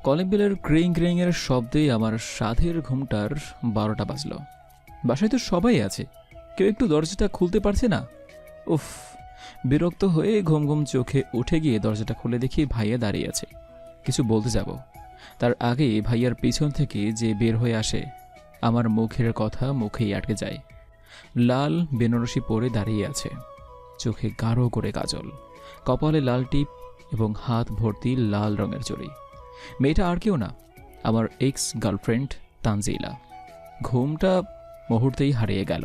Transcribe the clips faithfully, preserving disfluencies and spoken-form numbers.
Calling বেলের ক্রিং ক্রিং এর শব্দে আমার সাধের ঘুমটার বারোটা বাজল। বাসায় তো সবাই আছে, কেউ একটু দরজাটা খুলতে পারছে না। উফ, বিরক্ত হয়ে ঘুম ঘুম চোখে উঠে গিয়ে দরজাটা খুলে দেখি ভাইয়া দাঁড়িয়ে আছে। কিছু বলতে যাব, তার আগে ভাইয়ার পিছন থেকে যে বের হয়ে আসে, আমার মুখের কথা মুখেই আটকে যায়। লাল বেনারসি পরে দাঁড়িয়ে আছে, চোখে গাঢ় করে কাজল, কপালে লাল টিপ এবং হাত ভর্তি লাল রঙের চড়ি। মেয়েটা আর কেউ না, আমার এক্স গার্লফ্রেন্ড তানজিলা। ঘুমটা মুহূর্তেই হারিয়ে গেল।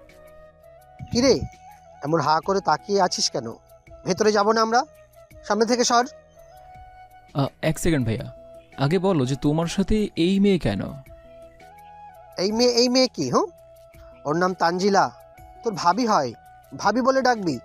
কিরে, এমন হা করে তাকিয়ে আছিস কেন? ভেতরে যাব না আমরা? সামনে থেকে সর। আ, এক সেকেন্ড ভাইয়া, আগে বলো যে তোমার সাথে এই মেয়ে কেন? এই মেয়ে এই মেয়ে কি? হুম, ওর নাম তানজিলা, তোর ভাবি হয়। ভাবি বলে ডাকবি।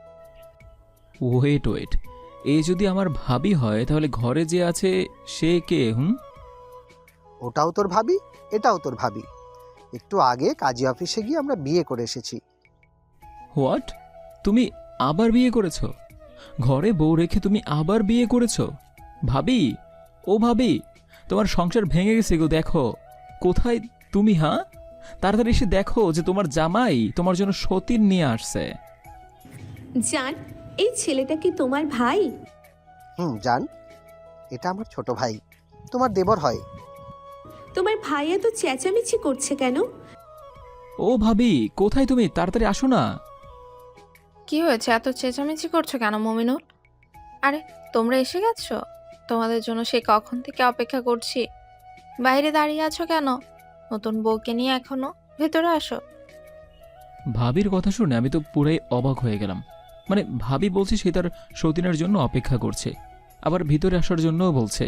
ওয়েট ওয়েট, এ যদি আমার ভাবি হয় তাহলে ঘরে যে আছে সে কে? হুম, ওটাও তোর ভাবি, এটাও তোর ভাবি। একটু আগে কাজী অফিসে গিয়ে আমরা বিয়ে করে এসেছি। হোয়াট? তুমি আবার বিয়ে করেছো? ঘরে বউ রেখে তুমি আবার বিয়ে করেছো? ভাবি, ও ভাবি, তোমার সংসার ভেঙে গেছে গো। দেখো কোথায় তুমি। হ্যাঁ, তাড়াতাড়ি এসে দেখো যে তোমার জামাই তোমার জন্য সতীন নিয়ে আসছে। জান, এই ছেলেটা কি তোমার ভাই? হুম জান, এটা আমার ছোট ভাই, তোমার দেবর হয়। তোমার ভাই এত চেঁচামেচি করছে কেন? ও ভাবি, কোথায় তুমি? তাড়াতাড়ি আসো না। কি হয়েছে, এত চেঁচামেচি করছো কেন মমিনুল? আরে তোমরা এসে গেছো? তোমাদের জন্য সে কখন থেকে অপেক্ষা করছি। বাইরে দাঁড়িয়ে আছো কেন? নতুন বউকে নিয়ে এখনো? ভেতরে আসো। ভাবির কথা শুনে আমি তো পুরাই অবাক হয়ে গেলাম। মানে ভাবি বলছে সে তার সতীনের জন্য অপেক্ষা করছে, আবার ভিতরে আসার জন্যও বলছে।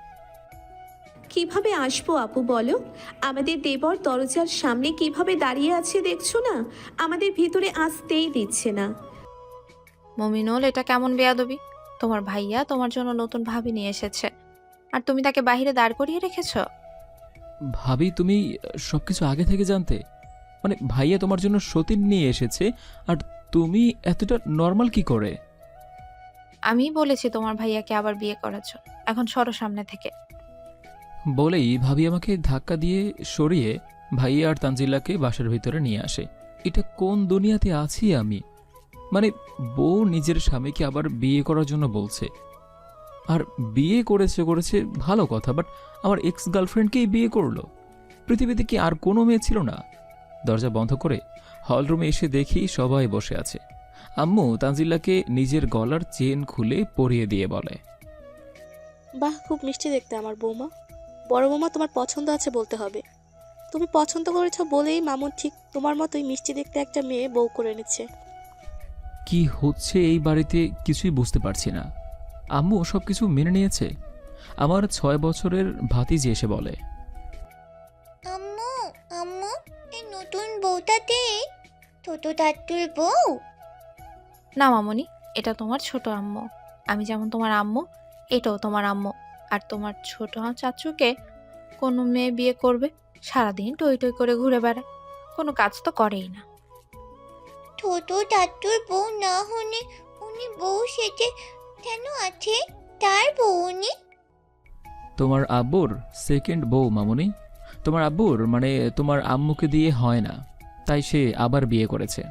কিভাবে আসবো আপু বলো? আমাদের দেবর দরজার সামনে কিভাবে দাঁড়িয়ে আছে দেখছো না? আমাদের ভিতরে আসতেই দিচ্ছে না। মমিনুল, এটা কেমন বেয়াদবি? তোমার ভাইয়া তোমার জন্য নতুন ভাবি নিয়ে এসেছে, আর তুমি তাকে বাইরে দাঁড় করিয়ে রেখেছো। ভাবি, তুমি সবকিছু আগে থেকে জানতে? মানে ভাইয়া তোমার জন্য সতীন নিয়ে এসেছে, আর তুমি এতটা নর্মাল কি করে? আমি বলেছি তোমার ভাইয়াকে আবার বিয়ে করেছো, এখন সরো সামনে থেকে। বলেই ভাবি আমাকে ধাক্কা দিয়ে সরিয়ে ভাইয়া আর তানজিলাকে বাসার ভিতরে নিয়ে আসে। এটা কোন দুনিয়াতে আছি আমি? মানে বউ নিজের স্বামীকে আবার বিয়ে করার জন্য বলছে, আর বিয়ে করেছে করেছে ভালো কথা, বাট আমার এক্স গার্লফ্রেন্ডকেই বিয়ে করলো। পৃথিবীতে কি আর কোনো মেয়ে ছিল না? দরজা বন্ধ করে হলরুমে এসে দেখি সবাই বসে আছে। আম্মু তানজিলাকে নিজের গলার চেন খুলে পরিয়ে দিয়ে বলে, বাহ, খুব মিষ্টি দেখতে আমার বৌমা। বড় বৌমা, তোমার পছন্দ আছে বলতে হবে। তুমি পছন্দ করেছো বলেই মামুন ঠিক তোমার মতোই মিষ্টি দেখতে একটা মেয়ে বউ করে এনেছে। কি হচ্ছে এই বাড়িতে কিছুই বুঝতে পারছি না। আম্মু সব কিছু মেনে নিয়েছে। আমার ছয় বছরের ভাতিজি এসে বলে, আম্মু আম্মু এই নতুন বউটাতে ছোট দাদুর বউ। না মামনি, এটা তোমার ছোট আম্মু। আমি যেমন তোমার আম্মু, এটাও তোমার আম্মু। আর তোমার ছোট চাচুকে কোনো মেয়ে বিয়ে করবে? সারাদিন টই টই করে ঘুরে বেড়ায়, কোনো কাজ তো করেই না। ছোট দাদুর বউ না হলে উনি বউ সেজে কেন আছে? তার বউ উনি। তোমার আব্বুর সেকেন্ড বউ মামুনি। তোমার আব্বুর মানে তোমার আম্মুকে দিয়ে হয় না, তাই সে আবার বিয়ে করেছে।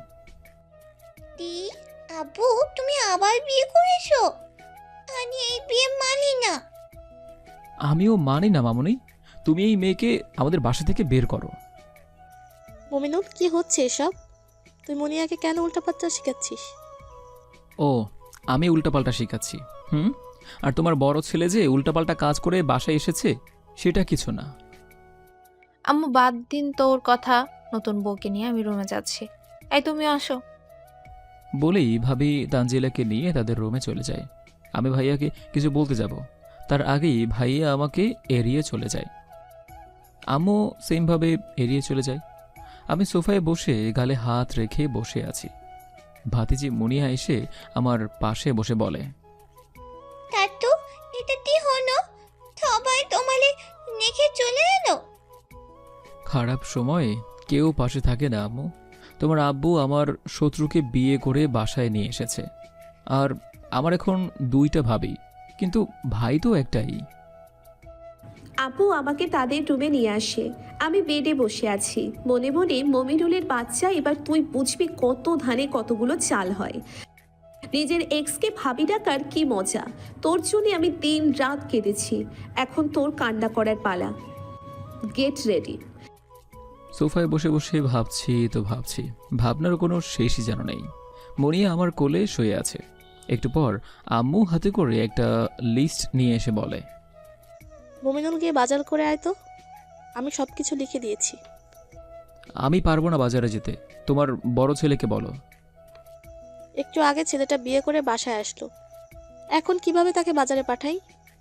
দি আব্বু, তুমি আবার বিয়ে করেছো? আমি এই বিয়ে মানি না। আমিও মানি না মামুনি, তুমি এই মেয়েকে আমাদের বাসা থেকে বের করো। মমিনুল, কি হচ্ছে এসব? তুই মনিয়াকে কেন উল্টাপাল্টা শেখাচ্ছিস? ও, আমি উল্টাপাল্টা শেখাচ্ছি? হুম, আর তোমার বড় ছেলে যে উল্টাপাল্টা কাজ করে বাসায় এসেছে সেটা কিছু না। আম্মু বাদ দিন তো ওর কথা, নতুন বউকে নিয়ে আমি রুমে যাচ্ছি। এই তুমি আসো। বলেই ভাবি তানজিলাকে নিয়ে তাদের রুমে চলে যায়। আমি ভাইয়াকে কিছু বলতে যাব, তার আগেই ভাইয়া আমাকে এড়িয়ে চলে যায়। আম্মু সেমভাবে এড়িয়ে চলে যায়। আমি সোফায় বসে গালে হাত রেখে বসে আছি। ভাতিজি মুনিয়া এসে আমার পাশে বসে বলে, দাদু, এটা কি হলো? সবাই তোমালে নেখে চলে এলো। খারাপ সময়ে কেউ পাশে থাকে না আম্মু। তোমার আব্বু আমার শত্রুকে বিয়ে করে বাসায় নিয়ে এসেছে, আর আমার এখন দুইটা ভাবি, কিন্তু ভাই তো একটাই। আপু আমাকে তাদের রুমে নিয়ে আসে। আমি বেডে বসে আছি, মনে মনে মমিনুলের বাচ্চা, এবার তুই বুঝবি কত ধানে কতগুলো চাল হয়। নিজের এক্সকে ভাবি ডাকার কি মজা। তোর জন্য আমি দিন রাত কেঁদেছি, এখন তোর কান্না করার পালা। Get ready. সোফায় বসে বসে ভাবছি তো ভাবছি, ভাবনার কোনো শেষই যেন নেই। মনিয়া আমার কোলে শুয়ে আছে। একটু পর আম্মু হাতে করে একটা লিস্ট নিয়ে এসে বলে, মমিনুল গিয়ে বাজার করে আয় তো, আমি সব কিছু লিখে দিয়েছি। আমি পারবো না বাজারে যেতে, তোমার বড় ছেলেকে বলো। একটু আগে ছেলেটা বিয়ে করে বাসায় আসলো, এখন কিভাবে তাকে বাজারে পাঠাই?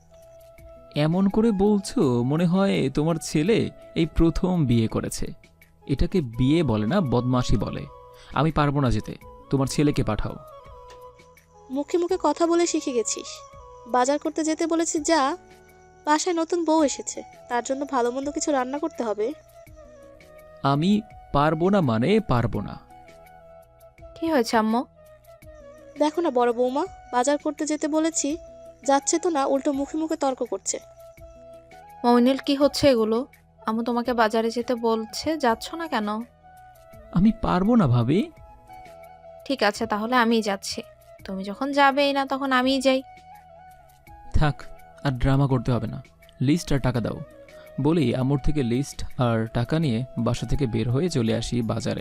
এমন করে বলছো মনে হয় তোমার ছেলে এই প্রথম বিয়ে করেছে। এটাকে বিয়ে বলে না, বদমাশি বলে। আমি পারবো না যেতে, তোমার ছেলেকে পাঠাও। মুখে মুখে কথা বলে শিখে গেছিস। বাজার করতে যেতে বলেছি যা, বাসায় নতুন বউ এসেছে, তার জন্য ভালো মন্দ কিছু রান্না করতে হবে। আমি পারবো না মানে পারবো না। কি হয়েছে আম্মু? দেখো না বড় বৌমা, বাজার করতে যেতে বলেছি, যাচ্ছে তো না, উল্টো মুখে মুখে তর্ক করছে। মমিনুল কি হচ্ছে এগুলো? আম্মু তোমাকে বাজারে যেতে বলছে, যাচ্ছ না কেন? আমি পারবো না ভাবি। ঠিক আছে তাহলে আমিই যাচ্ছি, তুমি যখন যাবেই না তখন আমিই যাই। থাক, আর ড্রামা করতে হবে না, লিস্ট আর টাকা দাও। বলি আমর থেকে লিস্ট আর টাকা নিয়ে বাসা থেকে বের হয়ে চলে আসি বাজারে।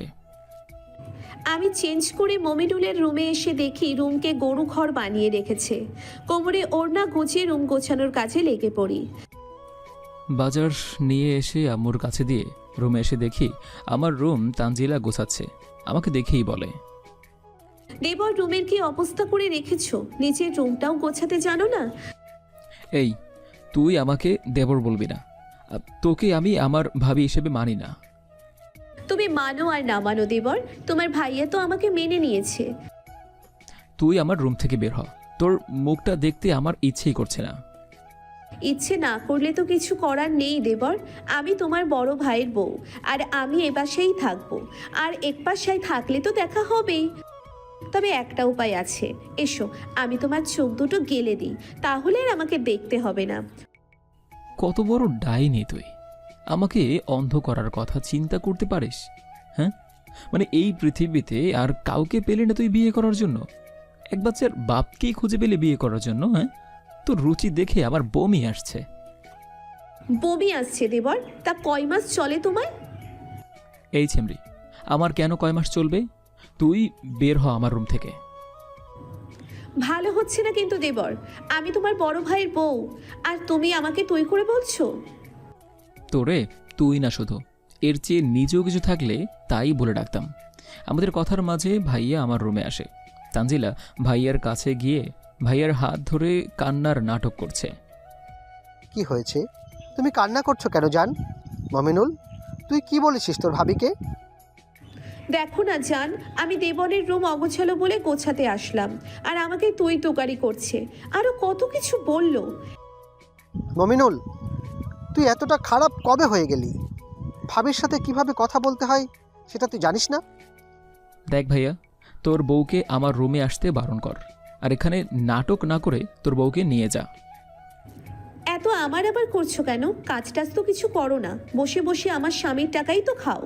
আমি চেঞ্জ করে মমিনুলের রুমে এসে দেখি রুমকে গরু ঘর বানিয়ে রেখেছে। কোমরে ওড়না গুছিয়ে রুম গোছানোর কাজে লেগে পড়ি। বাজার নিয়ে এসে আম্মুর কাছে দিয়ে রুমে এসে দেখি আমার রুম তানজিলা গোছাচ্ছে। আমাকে দেখেই বলে, দেবর রুমের কি অবস্থা করে রেখেছো? নিজের রুমটাও গোছাতে জানো না? এই তুই আমাকে দেবর বলবি না, আ, তোকে আমি আমার ভাবি হিসেবে মানি না। তুমি মানো আর না মানো দেবর, তোমার ভাইয়া তো আমাকে মেনে নিয়েছে। তুই আমার রুম থেকে বের হ, তোর মুখটা দেখতে আমার ইচ্ছেই করছে না। ইচ্ছে না করলে তো কিছু করার নেই দেবর, আমি তোমার বড় ভাইয়ের বউ, আর আমি এ বাসায় থাকবো, আর এক বাসায় থাকলে তো দেখা হবেই। তবে একটা উপায় আছে, এসো আমি তোমার চোখ দুটো গেলে দিই, তাহলে আর আমাকে দেখতে হবে না। কত বড় ডাইনি তুই, আমাকে অন্ধ করার কথা চিন্তা করতে পারিস? হ্যাঁ, মানে এই পৃথিবীতে আর কাউকে পেলে না তুই বিয়ে করার জন্য? এক বাচ্চার বাপকেই খুঁজে পেলে বিয়ে করার জন্য? হ্যাঁ, তোর রুচি দেখে আমার বমি আসছে। বমি আসছে দেবর? তা কয় মাস চলে তোমায়? এই ছেমরি, আমার কেন কয় মাস চলবে? তুই বের হ আমার রুম থেকে। ভালো হচ্ছে না কিন্তু দেবর, আমি তোমার বড় ভাইয়ের বউ, আর তুমি আমাকে তুই করে বলছো। তোরে তুই না শুধু, এর চেয়ে নিজেও কিছু থাকলে তাই বলে ডাকতাম। আমাদের কথার মাঝে ভাইয়া আমার রুমে আসে। তানজিলা ভাইয়ার কাছে গিয়ে ভাইয়ার হাত ধরে কান্নার নাটক করছে। কি হয়েছে? তুমি কান্না করছো কেন জান? মমিনুল, তুই কি বলেছিস তোর ভাবিকে? দেখো না জান, আমি দেবনের রুম অগোছালো বলে গোছাতে আসলাম, আর আমাকে তুই তোকারি করছে, আরো কত কিছু বললো। মমিনুল, তুই এতটা খারাপ কবে হয়ে গেলি? ভাবির সাথে কিভাবে কথা বলতে হয় সেটা তুই জানিস না? দেখ ভাইয়া, তোর বউকে আমার রুমে আসতে বারণ কর, আর এখানে নাটক না করে তোর বউকে নিয়ে যা। এত আমার আবার করছো কেন? কাজ টাজ তো কিছু করো না, বসে বসে আমার স্বামীর টাকাই তো খাও।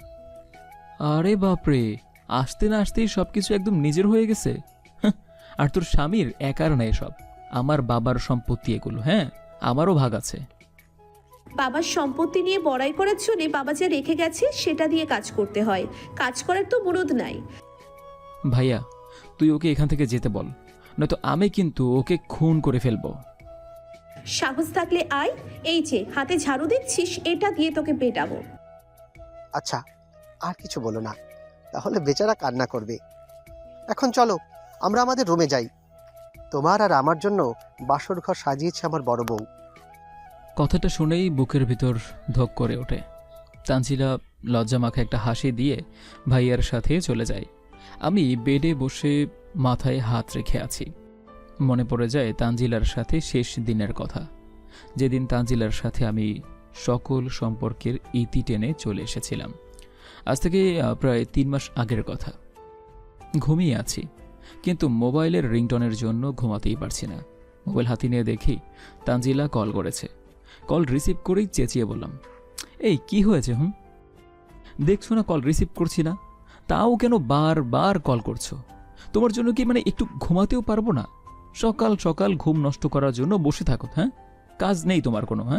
আরে বাপরে, আসতে না আসতেই সব কিছু একদম নিজের হয়ে গেছে। হাহ, আর তোর স্বামীর একার না এসব, আমার বাবার সম্পত্তি এগুলো। হ্যাঁ, আমারও ভাগ আছে। বাবার সম্পত্তি নিয়ে বড়াই করার জন্য বাবা যা রেখে গেছে সেটা দিয়ে কাজ করতে হয়, কাজ করার তো মুরদ নাই। ভাইয়া, তুই ওকে এখান থেকে যেতে বল, নয়তো আমি কিন্তু ওকে খুন করে ফেলবো। সাহস থাকলে আয়, এই যে হাতে ঝাড়ু দেখছিস, এটা দিয়ে তোকে পেটাবো। আচ্ছা, আর কিছু বলো না, তাহলে বেচারা কান্না করবে। এখন চলো আমরা আমাদের রুমে যাই, তোমার আর আমার জন্য বাসর ঘর সাজিয়েছে আমার বড় বউ। কথাটা শুনেই বুকের ভিতর ধক করে ওঠে। তানজিলা লজ্জা মাখা একটা হাসি দিয়ে ভাইয়ার সাথে চলে যায়। আমি বেডে বসে মাথায় হাত রেখে আছি। মনে পড়ে যায় তানজিলার সাথে শেষ দিনের কথা, যেদিন তানজিলার সাথে আমি সকল সম্পর্কের ইতি টেনে চলে এসেছিলাম। আজ থেকে প্রায় তিন মাস আগের কথা। ঘুমিয়ে আছি, কিন্তু মোবাইলের রিংটনের জন্য ঘুমাতেই পারছি না। মোবাইল হাতে নিয়ে দেখি তানজিলা কল করেছে। কল রিসিভ করেই চেঁচিয়ে বললাম, এই কি হয়েছে? হুম, দেখছো না কল রিসিভ করছি না, তাও কেন বারবার কল করছো? তোমার জন্য কি মানে একটু ঘুমাতেও পারবো না? সকাল সকাল ঘুম নষ্ট করার জন্য বসে থাকো, হ্যাঁ? কাজ নেই তোমার কোনো? হ্যাঁ,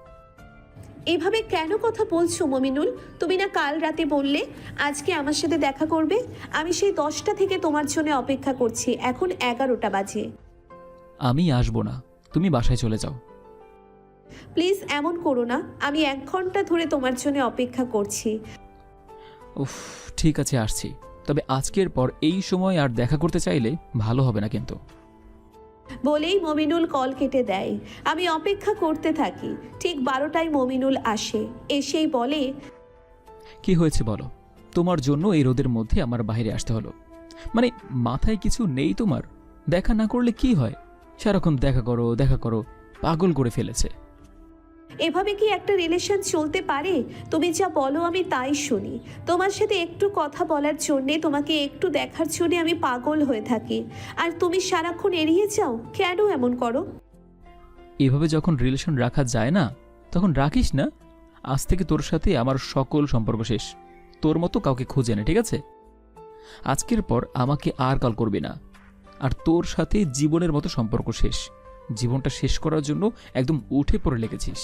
এভাবে কেন কথা বলছো মমিনুল? তুমি না কাল রাতে বললে আজকে আমার সাথে দেখা করবে? আমি সেই দশটা থেকে তোমার জন্য অপেক্ষা করছি, এখন এগারোটা বাজে। আমি আসবো না, তুমি বাসায় চলে যাও। প্লিজ এমন করো না, আমি এক ঘন্টা ধরে তোমার জন্য অপেক্ষা করছি। উফ, ঠিক আছে আসছি, তবে আজকের পর এই সময় আর দেখা করতে চাইলে ভালো হবে না কিন্তু। বলেই মমিনুল কল কেটে দেয়। আমি অপেক্ষা করতে থাকি। ঠিক বারোটায় মমিনুল আসে, এসেই বলে, কি হয়েছে বলো? তোমার জন্য এই রোদের মধ্যে আমার বাইরে আসতে হলো। মানে মাথায় কিছু নেই তোমার? দেখা না করলে কি হয়? সারাক্ষণ দেখা করো দেখা করো, পাগল করে ফেলেছে। এভাবে কি একটা রিলেশন চলতে পারে? তুমি যা বলো আমি তাই শুনি। তোমার সাথে একটু কথা বলার জন্যে, তোমাকে একটু দেখার জন্যে আমি পাগল হয়ে থাকি, আর তুমি সারাক্ষণ এড়িয়ে যাও। কেন এমন করো? এভাবে যখন রিলেশন রাখা যায় না, তখন রাখিস না। আজ থেকে তোর সাথে আমার সকল সম্পর্ক শেষ। তোর মতো কাউকে খুঁজে নে, ঠিক আছে? আজকের পর আমাকে আর কল করবি না। আর তোর সাথে জীবনের মতো সম্পর্ক শেষ। জীবনটা শেষ করার জন্য একদম উঠে পড়ে লেগেছিস।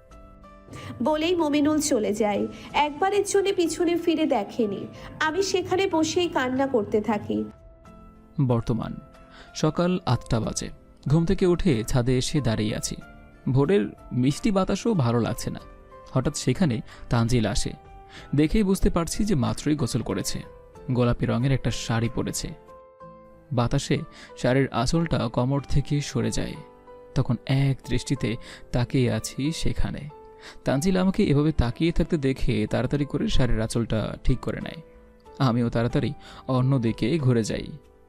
বলেই মমিনুল চলে যায়। একবারের জন্য পিছনে ফিরে দেখেনি। আমি সেখানে বসেই কান্না করতে থাকি। বর্তমান সকাল আটটা বাজে। ঘুম থেকে উঠে ছাদে এসে দাঁড়িয়ে আছি। ভোরের মিষ্টি বাতাসও ভালো লাগছে না। হঠাৎ সেখানে তানজিল আসে। দেখেই বুঝতে পারছি যে মাত্রই গোসল করেছে। গোলাপি রঙের একটা শাড়ি পরেছে। বাতাসে শাড়ির আঁচলটা কোমর থেকে সরে যায়। তখন এক দৃষ্টিতে তাকিয়ে আছি সেখানে। তানজিল আমাকে এভাবে তাকিয়ে থাকতে দেখে তাড়াতাড়ি করে শাড়ির আঁচলটা ঠিক করে নেয়। আমিও তাড়াতাড়ি অন্যদিকে ঘুরে যাই।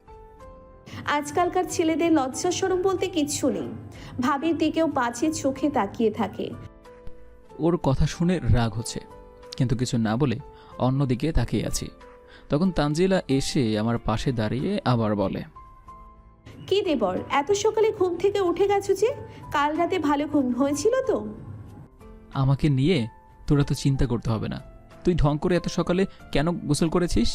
আজকালকার ছেলেদের লজ্জা শরম বলতে কিচ্ছু নেই। ভাবির দিকেও বাজে চোখে তাকিয়ে থাকে। ওর কথা শুনে রাগ হচ্ছে, কিন্তু কিছু না বলে অন্যদিকে তাকিয়ে আছি। তখন তানজিলা এসে আমার পাশে দাঁড়িয়ে আবার বলে, কি দেবর, এত সকালে ঘুম থেকে উঠে গেছো যে? কাল রাতে ভালো ঘুম হয়েছিল তো? আমাকে নিয়ে তোরা তো চিন্তা করতে হবে না। তুই ঢং করে এত সকালে কেন গোসল করেছিস?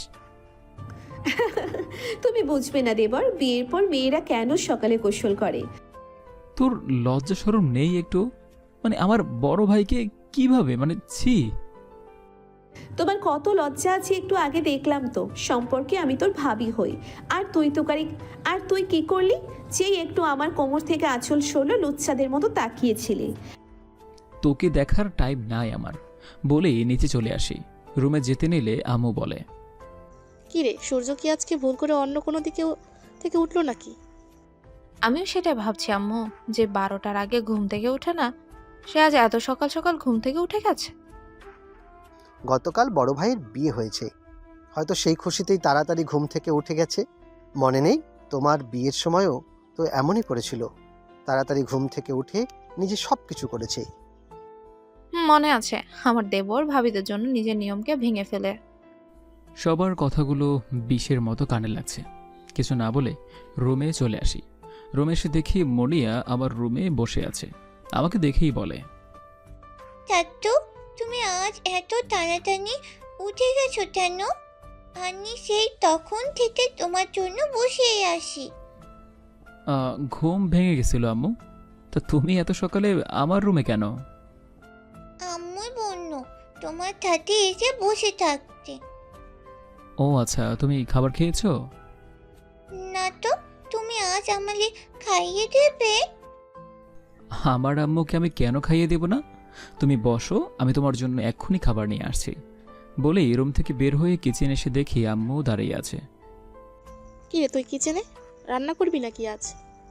তুমি বুঝবে না দেবর, বিয়ের পর মেয়েরা কেন সকালে গোসল করে। তোর লজ্জা শরম নেই একটু? মানে আমার বড় ভাইকে কিভাবে, মানে ছি। তোমার কত লজ্জা আছে একটু আগে দেখলাম তো। সম্পর্কে আমি তোর ভাবি হই, আর তুই তো কারি। আর তুই কি করলি? যেই একটু আমার কোমর থেকে আঁচল সরলো, লুচ্চাদের মতো তাকিয়েছিলি। তোকে দেখার টাইম নাই আমার, বলেই নিচে চলে আসি। রুমে যেতে নিলে আম্মু বলে, কি রে, সূর্য কি আজকে ভুল করে অন্য কোনো দিকে থেকে উঠলো নাকি? আমিও সেটাই ভাবছি আম্মু, যে বারোটার আগে ঘুম থেকে উঠে না, সে আজ এত সকাল সকাল ঘুম থেকে উঠে গেছে। গতকাল বড় ভাইয়ের বিয়ে হয়েছে, হয়তো সেই খুশিতেই তাড়াতাড়ি ঘুম থেকে উঠে গেছে। মনে নেই তোমার বিয়ের সময়ও তো এমনই করেছিল, তাড়াতাড়ি ঘুম থেকে উঠে নিজে সব কিছু করেছে। হুম, মনে আছে। আমার দেবর ভাবিদের জন্য নিজের নিয়মকে ভেঙে ফেলে। সবার কথাগুলো বিষের মতো কানে লাগছে। কিছু না বলে রুমে চলে আসি। রুমে এসে দেখি মনিয়া আমার রুমে বসে আছে। আমাকে দেখেই বলে, চাচ্চু, তুমি আজ এত তাড়াতাড়ি উঠে গেছো কেন? আমি সেই তখন থেকে তোমার জন্য বসেই আসি। "আহ, ঘুম ভেঙে গেছিল আম্মু। তা তুমি এত সকালে আমার রুমে কেন?" আম্মু বলল তোমার সাথে এসে বসে থাকতে। ও আচ্ছা, তুমি খাবার খেয়েছো? না তো, তুমি আজ আমাকে খাইয়ে দেবে? আমার আম্মুকে আমি কেন খাইয়ে দেব না? তুমি বসো, আমি তোমার জন্য এক্ষুনি খাবার নিয়ে আসছি। বলেই রুম থেকে বের হয়ে কিচেন এসে দেখি আম্মু দাঁড়িয়ে আছে। কি রে, তুই কিচেনে রান্না করবি নাকি আজ?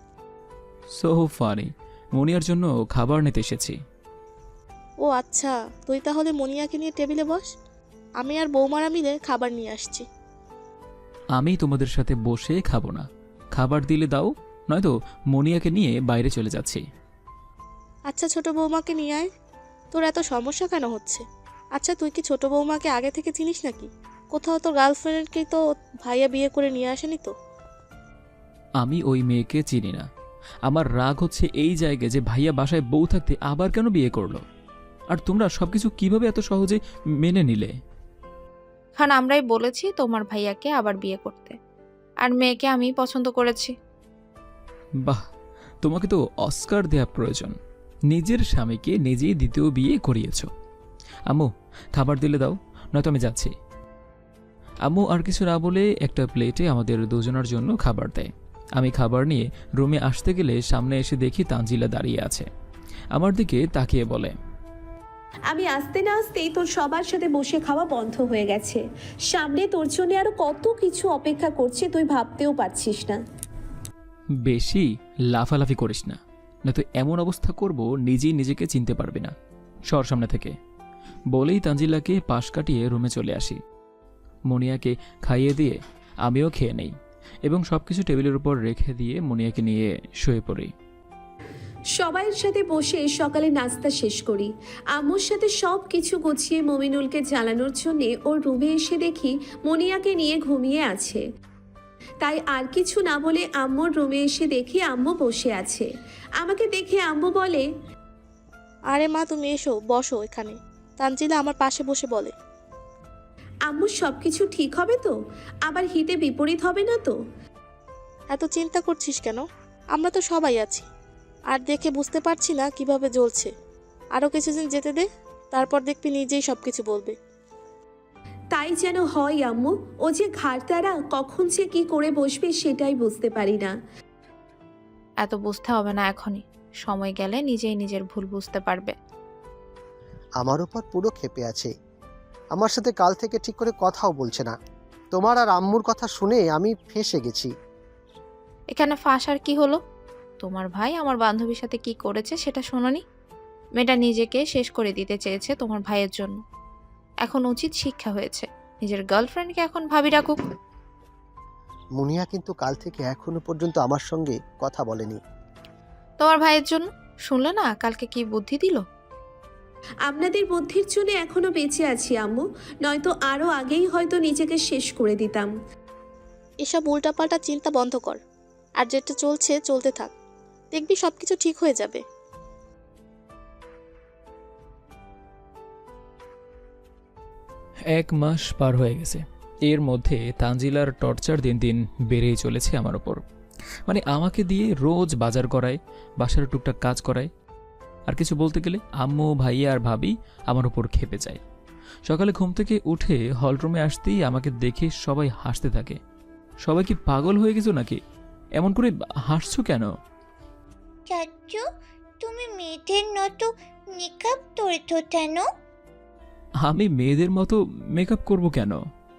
সো ফানি, মনিয়ার জন্য খাবার নিতে এসেছি। ও আচ্ছা, তুই তাহলে মনিয়াকে নিয়ে টেবিলে বস, আমি আর বৌমারা মিলে খাবার নিয়ে আসছি। আমি তোমাদের সাথে বসে খাবো না। খাবার দিলে দাও, নয়তো মনিয়াকে নিয়ে বাইরে চলে যাচ্ছি। আচ্ছা, ছোট বৌমাকে নিয়ে আয়। তোর এত সমস্যা কেন হচ্ছে? আচ্ছা, তুই কি ছোট বৌমাকে আগে থেকে চিনিস নাকি? কোথাও তোর গার্লফ্রেন্ডকে তো ভাইয়া বিয়ে করে নিয়ে আসেনি তো? আমি ওই মেয়েকে চিনি না, আমার রাগ হচ্ছে এই জায়গায় যে ভাইয়া বাসায় বউ থাকতে আবার কেন বিয়ে করলো, আর তোমরা সবকিছু কিভাবে এত সহজে মেনে নিলে? কারণ আমরাই বলেছি তোমার ভাইয়াকে আবার বিয়ে করতে, আর মেয়েকে আমি পছন্দ করেছি। বাহ, তোমাকে তো অস্কার দেয়া প্রয়োজন। নিজের স্বামীকে নিজেই দ্বিতীয় বিয়ে করিয়েছ। আম্মু, খাবার দিলে দাও, নয়তো আমি যাচ্ছি। আম্মু আর কিছু না বলে একটা প্লেটে আমাদের দুজনের জন্য খাবার দেয়। আমি খাবার নিয়ে রুমে আসতে গেলে সামনে এসে দেখি তানজিলা দাঁড়িয়ে আছে। আমার দিকে তাকিয়ে বলে, আমি আসতে না আসতেই তোর সবার সাথে বসে খাওয়া বন্ধ হয়ে গেছে। সামনে তোর জন্য আরো কত কিছু অপেক্ষা করছে, তুই ভাবতেও পারছিস না। বেশি লাফালাফি করিস না, নয়তো এমন অবস্থা করব নিজেই নিজেকে চিনতে পারবি না। সর সামনে থেকে। বলেই তানজিলাকে পাশ কাটিয়ে রুমে চলে আসি। মনিয়াকে খাইয়ে দিয়ে আমিও খেয়ে নেই এবং সবকিছু টেবিলের উপর রেখে দিয়ে মনিয়াকে নিয়ে শুয়ে পড়ি। সবাইয়ের সাথে বসে সকালে নাস্তা শেষ করি। আম্মুর সাথে সব কিছু গুছিয়ে মমিনুলকে জ্বালানোর জন্য ওর রুমে এসে দেখি মনিয়াকে নিয়ে ঘুমিয়ে আছে। তাই আর কিছু না বলে আম্মুর রুমে এসে দেখি আম্মু বসে আছে। আমাকে দেখে আম্মু বলে, আরে মা, তুমি এসো, বসো এখানে। তানজিলা আমার পাশে বসে বলে, আম্মু সব কিছু ঠিক হবে তো? আবার হিতে বিপরীত হবে না তো? এত চিন্তা করছিস কেন? আমরা তো সবাই আছি। আর দেখে বুঝতে পারছি না কিভাবে জ্বলছে। আরও কিছুদিন যেতে দে, তারপর দেখবি নিজেই সব কিছু বলবে। তাই যেন হয় আম্মু। ও যে ঘাড়তারা, কখন যে কি করে বসবে সেটাই বুঝতে পারি না। এত বুঝতে হবে না এখনই, সময় গেলে নিজেই নিজের ভুল বুঝতে পারবে। আমার উপর পুরো ক্ষেপে আছে। আমার সাথে কাল থেকে ঠিক করে কথাও বলছে না। তোমার আর আম্মুর কথা শুনে আমি ফেঁসে গেছি। এখানে ফাঁস আর কি হলো? তোমার ভাই আমার বান্ধবীর সাথে কি করেছে সেটা শোনোনি? মেয়েটা নিজেকে শেষ করে দিতে চেয়েছে তোমার ভাইয়ের জন্য। এখন উচিত শিক্ষা হয়েছে, নিজের গার্লফ্রেন্ডকে এখন ভাবি রাখুক। মুনিয়া কিন্তু কাল থেকে এখনো পর্যন্ত আমার সঙ্গে কথা বলেনি। তোমার ভাইয়ের জন্য। শুনলে না কালকে কি বুদ্ধি দিল? আপনাদের বুদ্ধির জন্য এখনো বেঁচে আছি আম্মু, নয়তো আরো আগেই হয়তো নিজেকে শেষ করে দিতাম। এসব উল্টাপাল্টা চিন্তা বন্ধ কর, আর যেটা চলছে চলতে থাক, দেখবি সবকিছু ঠিক হয়ে যাবে। এক মাস পার হয়ে গেছে। এর মধ্যে তানজিলার টর্চার দিন দিন বেড়েই চলেছে আমার ওপর। মানে আমাকে দিয়ে রোজ বাজার করায়, বাসার টুকটাক কাজ করায়, আর কিছু বলতে গেলে আম্মু, ভাইয়া আর ভাবি আমার ওপর খেপে যায়। সকালে ঘুম থেকে উঠে হলরুমে আসতেই আমাকে দেখে সবাই হাসতে থাকে। সবাই কি পাগল হয়ে গেছো নাকি? এমন করে হাসছো কেন? চাচু, তুমি মেয়েদের মতো মেকআপ করেছো কেন? আমি মেয়েদের মতো মেকআপ করব কেন?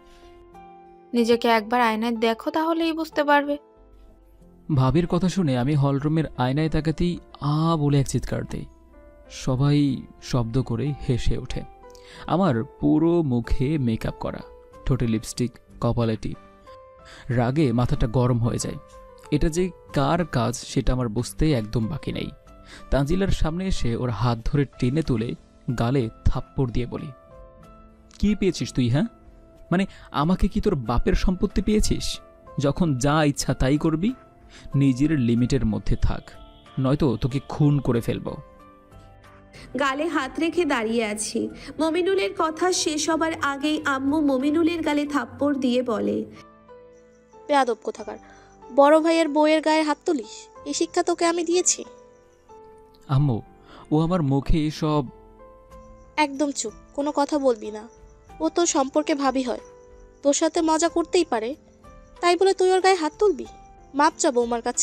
নিজেকে একবার আয়নায় দেখো, তাহলেই বুঝতে পারবে। ভাবির কথা শুনে আমি হলরুমের আয়নায় তাকাতেই আ বলে এক চিৎকার দেই। সবাই শব্দ করে হেসে ওঠে। আমার পুরো মুখে মেকআপ করা, ঠোঁটে লিপস্টিক, কপালে টিপ। রাগে মাথাটা গরম হয়ে যায়। এটা যে কার কাজ সেটা আমার বুঝতে একদম বাকি নেই। তানজিলার সামনে এসে ওর হাত ধরে টেনে তুলে গালে থাপ্পড় দিয়ে বলি, কি পেয়েছিস তুই? হ্যাঁ, মানে আমাকে কি তোর বাপের সম্পত্তি পেয়েছিস? যখন যা ইচ্ছা তাই করবি। নিজের লিমিটের মধ্যে থাক, নয়তো তোকে খুন করে ফেলবো। গালে হাত রেখে দাঁড়িয়ে আছি। মমিনুলের কথা শেষ হবার আগেই আম্মু মমিনুলের গালে থাপ্পড় দিয়ে বলে, বেয়াদব কোথাকার, বড় ভাইয়ের বউয়ের গায়ে হাত তুলিস? এই শিক্ষা তোকে আমি দিয়েছি? আম্মু, ও আমার মুখে সব। একদম চুপ, কোনো কথা বলবি না। ও তোর সম্পর্কে ভাবি হয়, তোর সাথে মজা করতেই পারে, তাই বলে তুই ওর গায়ে হাত তুলবি? মাপ চা বৌমার কাছে।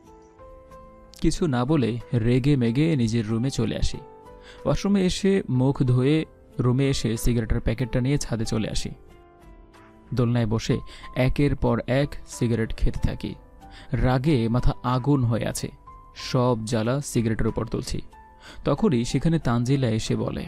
কিছু না বলে রেগে মেগে নিজের রুমে চলে আসি। ওয়াশরুমে এসে মুখ ধুয়ে রুমে এসে সিগারেটের প্যাকেটটা নিয়ে ছাদে চলে আসি। দোলনায় বসে একের পর এক সিগারেট খেতে থাকি। রাগে মাথা আগুন হয়ে আছে, সব জ্বালা সিগারেটের উপর তুলছি। তখনই সেখানে তানজিলা এসে বলে,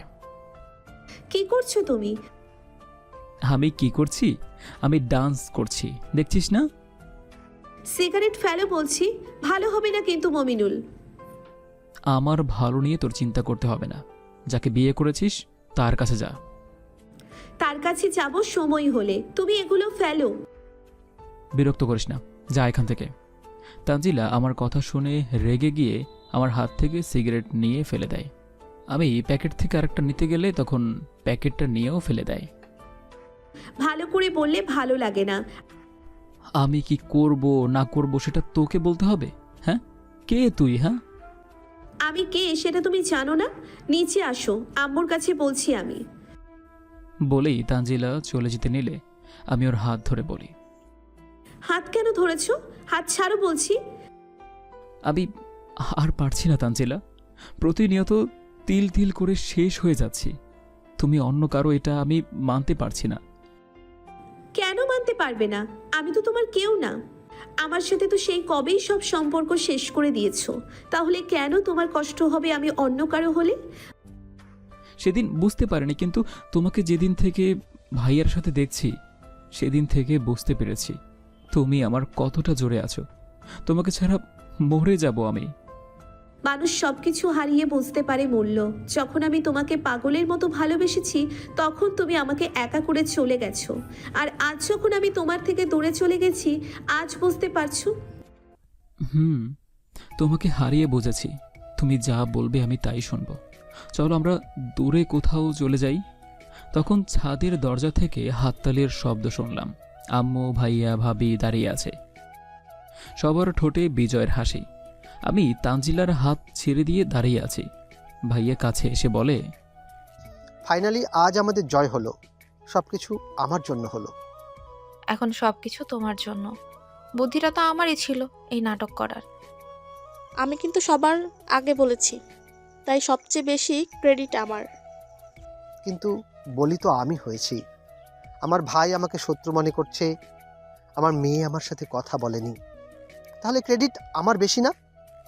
কি করছো তুমি? আমি কি করছি? আমি ডান্স করছি, দেখছিস না? সিগারেট ফেলো বলছি, ভালো হবে না কিন্তু মমিনুল। আমার ভালো নিয়ে তোর চিন্তা করতে হবে না। যাকে বিয়ে করেছিস তার কাছে যা। তার কাছে যাব সময় হলে, তুমি এগুলো ফেলো। বিরক্ত করিস না, যা এখান থেকে। তানজিলা আমার কথা শুনে রেগে গিয়ে আমার হাত থেকে সিগারেট নিয়ে ফেলে দেয়। আমি প্যাকেট থেকে আরেকটা নিতে গেলে তখন প্যাকেটটা নিয়েও ফেলে দেয়। ভালো করে বললে ভালো লাগে না। আমি কি করব না করব সেটা তোকে বলতে হবে? হ্যাঁ, কে তুই? হ্যাঁ, আমি কে সেটা তুমি জানো না? নিচে আসো, আম্মুর কাছে বলছি আমি। বলেই তানজিলা চলে যেতে নিলে আমি ওর হাত ধরে বলি, হাত কেন ধরেছো? হাত ছাড়ো বলছি। আমি আর পারছি না তানজিলা, প্রতিনিয়ত তিল তিল করে শেষ হয়ে যাচ্ছি। তুমি অন্য কারো এটা আমি মানতে পারছি না। কেন মানতে পারবে না? আমি তো তোমার কেউ না। আমার সাথে তো সেই কবেই সব সম্পর্ক শেষ করে দিয়েছো। তাহলে কেন তোমার কষ্ট হবে আমি অন্য কারো হলে? সেদিন বুঝতে পারিনি, কিন্তু তোমাকে যেদিন থেকে ভাইয়ার সাথে দেখছি সেদিন থেকে বুঝতে পেরেছি তুমি আমার কতটা জোরে আছো। তোমাকে ছাড়া মরে যাব আমি। মানুষ সবকিছু হারিয়ে বুঝতে পারে মূল্য। যখন আমি তোমাকে পাগলের মতো ভালোবেসেছি তখন তুমি আমাকে একা করে চলে গেছো। আর আজ যখন আমি তোমার থেকে দূরে চলে গেছি আজ বুঝতে পারছো? হুম, তোমাকে হারিয়ে বুঝেছি। তুমি যা বলবে আমি তাই শুনবো। চলো আমরা দূরে কোথাও চলে যাই। তখন ছাদের দরজা থেকে হাততালির শব্দ শুনলাম। আম্মু, ভাইয়া, ভাবি দাঁড়িয়ে আছে, সবার ঠোঁটে বিজয়ের হাসি। আমি তানজিলার হাত ছেড়ে দিয়ে দাঁড়িয়ে আছি। ভাইয়া কাছে এসে বলে, ফাইনালি আজ আমাদের জয় হলো। সব কিছু আমার জন্য হলো। এখন সব কিছু তোমার জন্য। বুদ্ধিটা তো আমারই ছিল এই নাটক করার। আমি কিন্তু সবার আগে বলেছি, তাই সবচেয়ে বেশি ক্রেডিট আমার। কিন্তু বলি তো আমি হয়েছি। আমার ভাই আমাকে শত্রু মনে করছে, আমার মেয়ে আমার সাথে কথা বলেনি, তাহলে ক্রেডিট আমার বেশি না?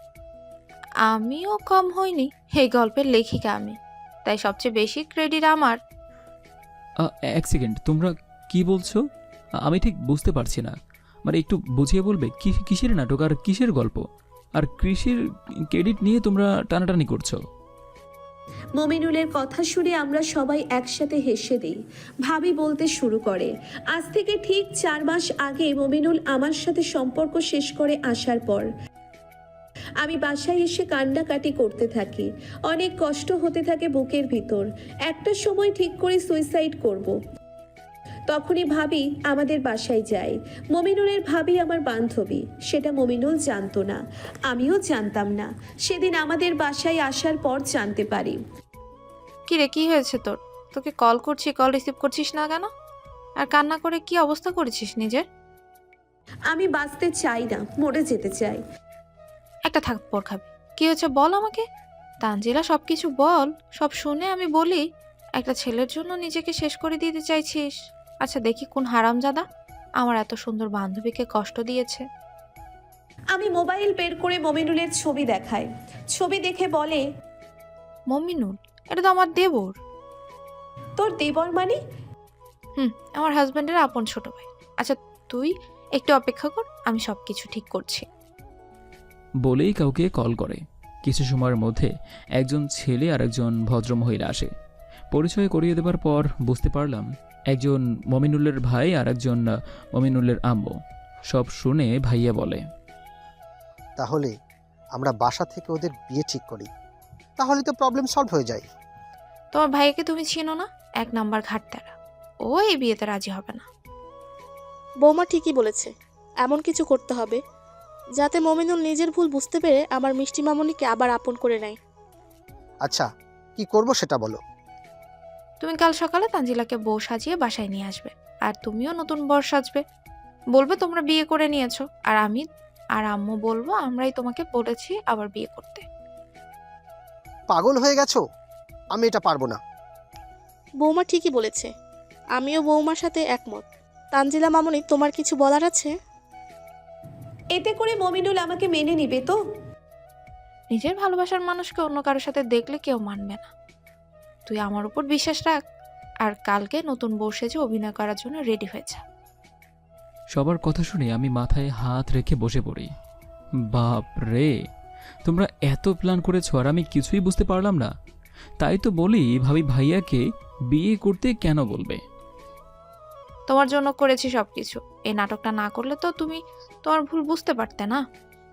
আমিও কম হইনি, এই গল্পের লেখিকা আমি, তাই সবচেয়ে বেশি ক্রেডিট আমার। "আ, এক সেকেন্ড, তোমরা কি বলছো? আমি ঠিক বুঝতে পারছি না। মানে একটু বুঝিয়ে বলবে কি কিসের নাটক আর কিসের গল্প? আর কৃষির ক্রেডিট নিয়ে তোমরা টানাটানি করছো?" মমিনুলের কথা শুনে আমরা সবাই একসাথে হেসে দিই। ভাবি বলতে শুরু করে, আজ থেকে ঠিক চার মাস আগে মমিনুল আমার সাথে সম্পর্ক শেষ করে আসার পর আমি বাসায় এসে কান্নাকাটি করতে থাকি। অনেক কষ্ট হতে থাকে বুকের ভিতর। একটা সময় ঠিক করে সুইসাইড করব। তখনই ভাবি আমাদের বাসায় যায়। মমিনুলের ভাবি আমার বান্ধবী, সেটা মমিনুল জানতো না, আমিও জানতাম না। সেদিন আমাদের বাসায় আসার পর জানতে পারি। কি রে, কি হয়েছে তোর? তোকে কল করছি, কল রিসিভ করছিস না কেন? আর কান্না করে কি অবস্থা করেছিস নিজের? আমি বাঁচতে চাই না, মরে যেতে চাই। একটা থাপ্পড় খাবে। কি হয়েছে বল আমাকে। তানজিলা সব কিছু বল, সব শুনে আমি বলি একটা ছেলের জন্য নিজেকে শেষ করে দিতে চাইছিস? আচ্ছা দেখি কোন হারামজাদা আমার এত সুন্দর বান্ধবীকে কষ্ট দিয়েছে। আমি মোবাইল বের করে মমিনুলের ছবি দেখাই। ছবি দেখে বলে, মমিনুল, এটা তো আমার দেবর। তোর দেবর মানে? হুম, আমার হাজব্যান্ডের আপন ছোট ভাই। আচ্ছা তুই একটু অপেক্ষা কর, আমি সব কিছু ঠিক করছি। বলেই কাউকে কল করে। কিছু সময়ের মধ্যে একজন ছেলে আর একজন ভদ্রমহিলা আসে। পরিচয় করিয়ে দেবার পর বুঝতে পারলাম একজন মমিনুলের ভাই আর একজন মমিনুলের আম্মু। সব শুনে ভাইয়া বলে, তাহলে আমরা বাসা থেকে ওদের বিয়ে ঠিক করি, তাহলে তো প্রবলেম সলভ হয়ে যায়। তোমার ভাইকে তুমি চিনো না? এক নাম্বার ঘাটতারা। ও এই বিয়েতে রাজি হবে না। বৌমা ঠিকই বলেছে, এমন কিছু করতে হবে যাতে মমিনুল নিজের ভুল বুঝতে পেরে আমার মিষ্টি মামনিকে আবার আপন করে নেয়। আচ্ছা, কি করব সেটা বলো। তুমি কাল সকালে তানজিলাকে বউ সাজিয়ে বাসায় নিয়ে আসবে, আর তুমিও নতুন বর সাজবে। বলবে তোমরা বিয়ে করে নিয়েছো, আর আমি আর আম্মু বলবো আমরাই তোমাকে বলেছি আবার বিয়ে করতে। পাগল হয়ে গেছো? আমি এটা পারবো না। বৌমা ঠিকই বলেছে, আমিও বৌমার সাথে একমত। তানজিলা মামনি, তোমার কিছু বলার আছে? এতে করে মমিনুল আমাকে মেনে নিবে তো? নিজের ভালোবাসার মানুষকে অন্য কারোর সাথে দেখলে কেউ মানবে না। তুই আমার উপর বিশ্বাস রাখ, আর কালকে নতুন বউ সেজে অভিনয় করার জন্য রেডি হয়ে যা। সবার কথা শুনে আমি মাথায় হাত রেখে বসে পড়ি। বাপ রে, তোমরা এত প্ল্যান করেছো আর আমি কিছুই বুঝতে পারলাম না। তাই তো বলি ভাবি ভাইয়াকে বিয়ে করতে কেন বলবে। তোমার জন্য করেছি সবকিছু। এই নাটকটা না করলে তো তুমি তোমার ভুল বুঝতে পারতে না।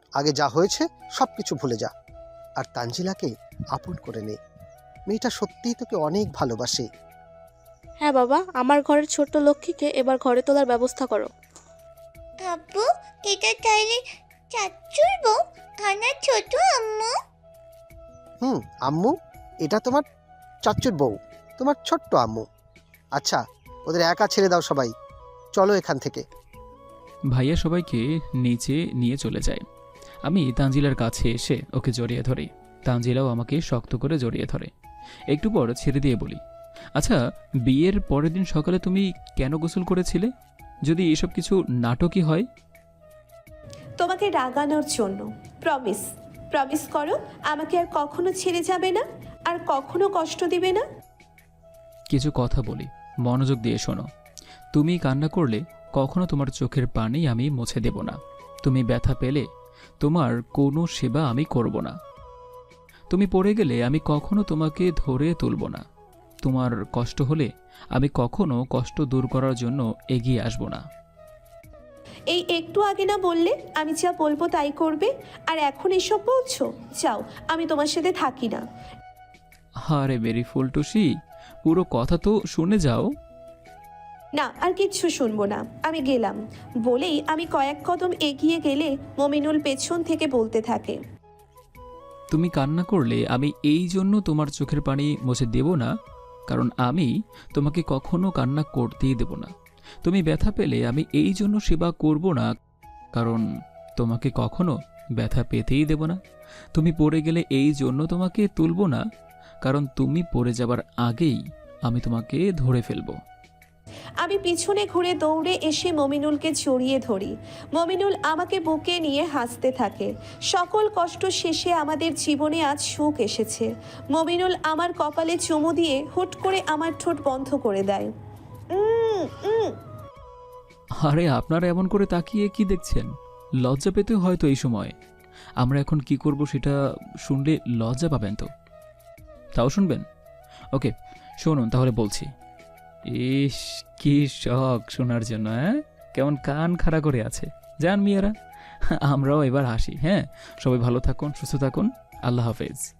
আগে যা হয়েছে সব কিছু ভুলে যা, আর তানজিলাকে আপন করে নে। মেয়েটা সত্যিই তোকে অনেক ভালোবাসে। হ্যাঁ বাবা, আমার ঘরের ছোট্ট লক্ষ্মীকে এবার ঘরে তোলার ব্যবস্থা করো। আব্বু, এটা তাইলে চাচুর বউ, আমার ছোট আম্মু। হুম আম্মু, এটা তোমার চাচুর বউ, তোমার ছোট্ট আম্মু। আচ্ছা, ওদের একা ছেড়ে দাও সবাই, চলো এখান থেকে। ভাইয়া সবাইকে নিচে নিয়ে চলে যায়। আমি তানজিলার কাছে এসে ওকে জড়িয়ে ধরি। তানজিলাও আমাকে শক্ত করে জড়িয়ে ধরে। একটু পর ছেড়ে দিয়ে বলি, আচ্ছা, বিয়ের পরের দিন সকালে তুমি কেন গোসল করেছিলে? যদি এসব কিছু নাটকই হয়। তোমাকে রাগানোর জন্য। প্রমিস, প্রমিস করো আমাকে আর কখনো ছেড়ে যাবে না, আর কখনো কষ্ট দিবে না। কিছু কথা বলি, মনোযোগ দিয়ে শোনো। তুমি কান্না করলে কখনো তোমার চোখের পানি আমি মুছে দেব না। তুমি ব্যথা পেলে তোমার কোনো সেবা আমি করব না। তুমি পড়ে গেলে আমি কখনো তোমাকে ধরে তুলব না। তোমার কষ্ট হলে আমি কখনো কষ্ট দূর করার জন্য এগিয়ে আসব না। এই একটু আগে না বললে আমি যা বলবো তাই করবে, আর এখন এসব বলছো? যাও, আমি তোমার সাথে থাকি না। আরে বেরি ফুলটুসি, পুরো কথা তো শুনে যাও। না, আর কিচ্ছু শুনবো না, আমি গেলাম। বলেই আমি কয়েক কদম এগিয়ে গেলে মমিনুল পেছন থেকে বলতে থাকে, তুমি কান্না করলে আমি এই জন্য তোমার চোখের পানি মুছে দেব না, কারণ আমি তোমাকে কখনো কান্না করতেই দেব না। তুমি ব্যথা পেলে আমি এই জন্য সেবা করব না, কারণ তোমাকে কখনো ব্যথা পেতেই দেব না। তুমি পড়ে গেলে এই জন্য তোমাকে তুলব না, কারণ তুমি পড়ে যাবার আগেই আমি তোমাকে ধরে ফেলব। আমি পিছনে ঘুরে দৌড়ে এসে মমিনুলকে জড়িয়ে ধরি। মমিনুল আমাকে বুকে নিয়ে হাসতে থাকে। সকল কষ্ট শেষে আমাদের জীবনে আজ সুখ এসেছে। মমিনুল আমার কপালে চুমু দিয়ে হুট করে আমার ঠোঁট বন্ধ করে দেয়। উম, উম। আরে আপনারা এমন করে তাকিয়ে কি দেখছেন? লজ্জা পেতে হয়তো এই সময়। আমরা এখন কি করব সেটা শুনলে লজ্জা পাবেন তো? তাও শুনবেন? ওকে, শুনুন তাহলে বলছি। ইস, কি শখ শোনার জন্য, হ্যাঁ? কেমন কান খাড়া করে আছে। যান মিয়ারা, আমরাও এবার হাসি। হ্যাঁ, সবাই ভালো থাকুন, সুস্থ থাকুন। আল্লাহ হাফেজ।